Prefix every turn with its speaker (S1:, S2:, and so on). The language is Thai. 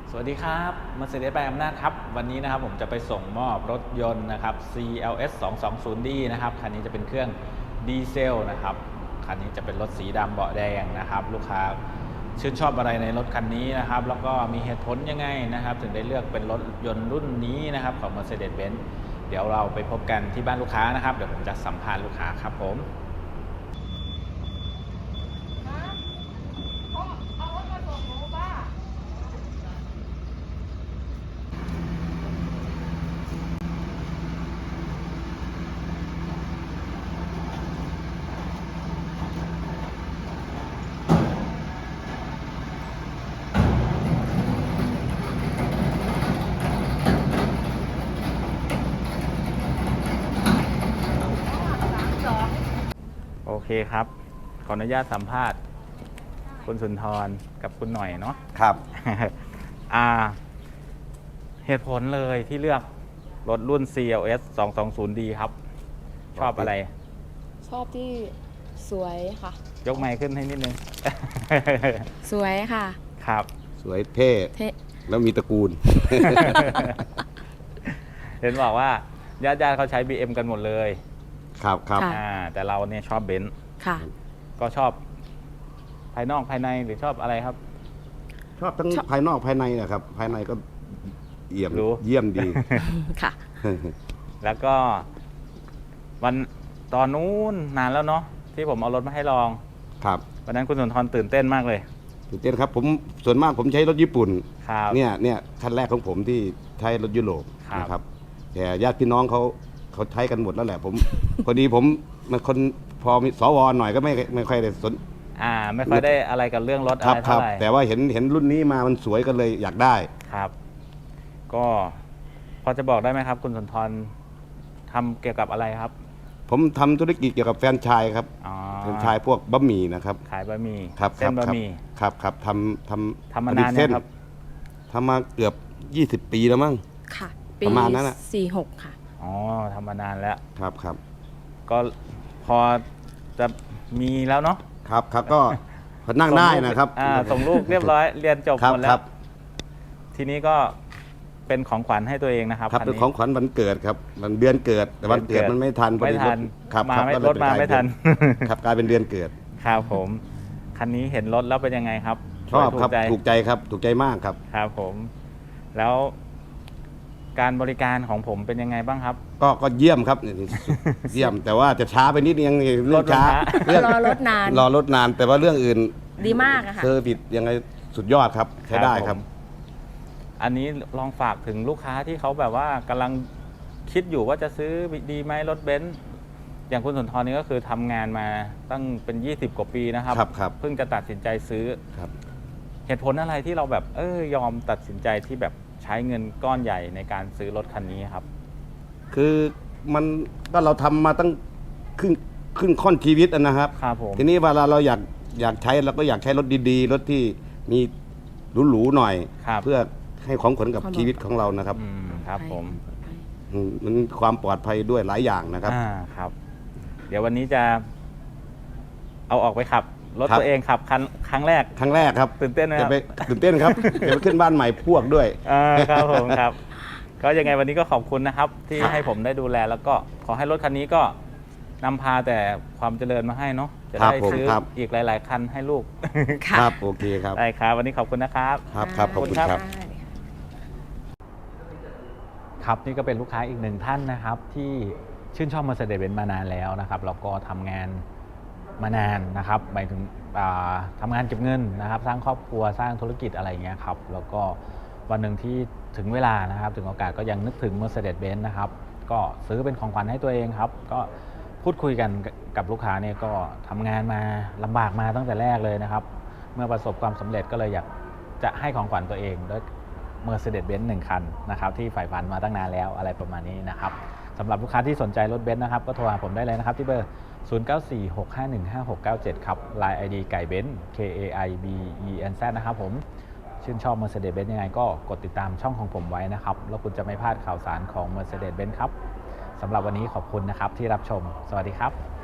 S1: สวัสดีครับ Mercedes ไปอำนาจครับวันนี้นะครับผมจะไปส่งมอบรถยนต์นะครับ CLS 220D นะครับคันนี้จะเป็นเครื่องดีเซลนะครับคันนี้จะเป็นรถสีดำเบาะแดงนะครับลูกค้าชื่นชอบอะไรในรถคันนี้นะครับแล้วก็มีเหตุผลยังไงนะครับถึงได้เลือกเป็นรถยนต์รุ่นนี้นะครับของ Mercedes-Benz เดี๋ยวเราไปพบกันที่บ้านลูกค้านะครับเดี๋ยวผมจะสัมภาษณ์ลูกค้าครับผมโอเคครับขออนุญาตสัมภาษณ์คุณสุนทรกับคุณหน่อยเนาะ
S2: ครับ
S1: เหตุผลเลยที่เลือกรถรุ่น CLS 220D ครับ ชอบอะไร
S3: ชอบที่สวยค่ะ
S1: ยกไมค์ขึ้นให้นิดนึง
S3: สวยค่ะ
S1: ครับ
S2: สวยเท่
S3: เท่
S2: แล้วมีตระกูล
S1: เห็นบอกว่าญาติๆเขาใช้ BM กันหมดเลย
S2: ครับครับ
S3: ค่ะ
S1: แต่เราเนี่ยชอบเบนซ์
S3: ค่ะ
S1: ก็ชอบภายนอกภายในหรือชอบอะไรครับ
S2: ชอบทั้ง
S3: ชอบ
S2: ภายนอกภายในนะครับ ภายในก็เยี่ยม
S1: รู้
S2: เยี่ยมดี
S3: ค่ะ
S1: แล้วก็วันตอนนู้นนานแล้วเนาะที่ผมเอารถมาให้ลอง
S2: ครับ
S1: วันนั้นคุณสุนทรตื่นเต้นมากเลย
S2: ตื่นเต้นครับผมส่วนมากผมใช้รถญี่ปุ่น
S1: ครับ
S2: เนี่ยคันแรกของผมที่ใช้รถยุโรป
S1: ครับ
S2: นะครับ แต่ญาติพี่น้องเขาใช้กันหมดแล้วแหละผม พอดีผมมันคนพอมีสวหน่อยก็ไม่ค่อยได้สน
S1: ไม่ค่อยได้อะไรกับเรื่องรถอะ
S2: ครับ
S1: ไร
S2: ครั
S1: เท่า
S2: บ
S1: ไหร่
S2: แต่ว่าเห็นรุ่นนี้มามันสวยก็เลยอยากได้
S1: ครับ ก็พอจะบอกได้ไหมครับ คุณสุนทรทำเกี่ยวกับอะไรครับ
S2: ผมทำธุรกิจเกี่ยวกับแฟรนไชส์ครับ
S1: อ๋อ
S2: แฟรนไชส์พวกบะหมี่นะครับ
S1: ขายบะหมี่
S2: ครับ
S1: เส้นบะหมี่
S2: ครับทำ
S1: ทำมา
S2: ผลิต
S1: นาน
S2: เส้
S1: ยังครับ
S2: ทำมาเกือบ 20 ปีแล้วมั้ง
S3: ค่ะ
S2: ประมาณนั้นน่ะ
S3: 46 ค่ะ
S1: อ๋อทำมานานแล้ว
S2: ครับ
S1: ก็พอจะมีแล้วเนาะ
S2: ครับก็พอนั่งได้นะครับ
S1: ส่งลูกเรียบร้อย เรียนจบ
S2: ครับ
S1: หมดแล้
S2: ครั
S1: ว
S2: บ
S1: ทีนี้ก็เป็นของขวัญให้ตัวเองนะครับ
S2: ครับ
S1: คัน
S2: เป็น
S1: นี้
S2: ของขวัญวันเกิดครับวันเดือนเกิดแต่วันเกิดมันไม่ทันพอ
S1: ไม่
S2: ดี
S1: ทัน
S2: ครับ
S1: มาไม่
S2: ก็เลย
S1: รถมาไม่ทัน
S2: ครับกลายเป็นเดือนเกิด
S1: ครับผม คันนี้เห็นรถแล้วเป็นยังไงครับ
S2: ชอบครับ
S1: ถู
S2: ถู
S1: ก
S2: ก
S1: ใจ
S2: ใจครับถูกใจมากครับ
S1: ครับผม แล้วการบริการของผมเป็นยังไงบ้างครับ
S2: ก็เยี่ยมครับเยี่ยมแต่ว่าจะช้าไปนิดนึงเรื่องช้าร
S1: ถมันช้า
S2: เรื่อง
S3: รอรถนาน
S2: รอรถนานแต่ว่าเรื่องอื่น
S3: ดีมากอะค่ะ
S2: เซอร์วิสยังไงสุดยอดครับใช้ได้ครับ
S1: ผมอันนี้ลองฝากถึงลูกค้าที่เขาแบบว่ากำลังคิดอยู่ว่าจะซื้อดีไหมรถเบนซ์อย่างคุณสุนทรนี่ก็คือทำงานมาตั้งเป็น20 กว่าปีนะครับ
S2: ครับ
S1: เพิ่งจะตัดสินใจซื้อ
S2: ครับ
S1: เหตุผลอะไรที่เราแบบยอมตัดสินใจที่แบบใช้เงินก้อนใหญ่ในการซื้อรถคันนี้ครับ
S2: คือมันก็เราทำมาตั้งครึ่งค่อนชีวิตนะครับ
S1: ครับผม
S2: ทีนี้เวลาเราอยากใช้เราก็อยากใช้รถดีๆรถที่มีหรูๆหน่อย
S1: ครับ
S2: เพื่อให้ของขวัญกับ
S3: ความ
S2: ชีวิตของเรานะครับ
S1: ครับผม
S2: มันความปลอดภัยด้วยหลายอย่างนะครับ
S1: ครับ เดี๋ยววันนี้จะเอาออกไปขับ รถ
S2: ครับ
S1: ตัวเองขับครั้งแรก
S2: ครั้งแรกครับ
S1: ตื่นเต้นไหมค
S2: จะ
S1: รับ
S2: ไปตื่นเต้นครับ จะไปขึ้นบ้านใหม่พวกด้วย
S1: ครับผมครับ ก็ยังไงวันนี้ก็ขอบคุณนะครับ ที่
S3: ค่ะ
S1: ให้ผมได้ดูแล แล้วก็ขอให้รถคันนี้ก็นำพาแต่ความเจริญมาให้เนาะจะ
S2: ครับ
S1: ได้
S2: ผม
S1: ซื้อ
S2: ครับ
S1: อีกหลาย ๆ คันให้ลูก
S3: ค่ะ
S2: ครับโอเคครับ
S1: ได้ครับ วันนี้ขอบคุณนะครับ
S2: ครับขอบคุณครับ
S3: ได้
S1: ครับนี่ก็เป็นลูกค้าอีกหนึ่งท่านนะครับที่ชื่นชอบ Mercedes-Benz มานานแล้วนะครับแล้วก็ทำงานมานานนะครับหมายถึงทำงานเก็บเงินนะครับสร้างครอบครัวสร้างธุรกิจอะไรอย่างเงี้ยครับแล้วก็วันหนึ่งที่ถึงเวลานะครับถึงโอกาสก็ยังนึกถึง Mercedes-Benz นะครับก็ซื้อเป็นของขวัญให้ตัวเองครับก็พูดคุยกันกับลูกค้าเนี่ยก็ทำงานมาลำบากมาตั้งแต่แรกเลยนะครับเมื่อประสบความสำเร็จก็เลยอยากจะให้ของขวัญตัวเองด้วยMercedes-Benz 1 คันนะครับที่ใฝ่ฝันมาตั้งนานแล้วอะไรประมาณนี้นะครับสำหรับลูกค้าที่สนใจรถเบนซ์นะครับก็โทรหาผมได้เลยนะครับที่เบอร์ 0946515697 ครับ Line ID ไก่เบนซ์ KAIBENZ นะครับผมชื่นชอบ Mercedes-Benz ยังไงก็กดติดตามช่องของผมไว้นะครับแล้วคุณจะไม่พลาดข่าวสารของ Mercedes-Benz ครับสำหรับวันนี้ขอบคุณนะครับที่รับชมสวัสดีครับ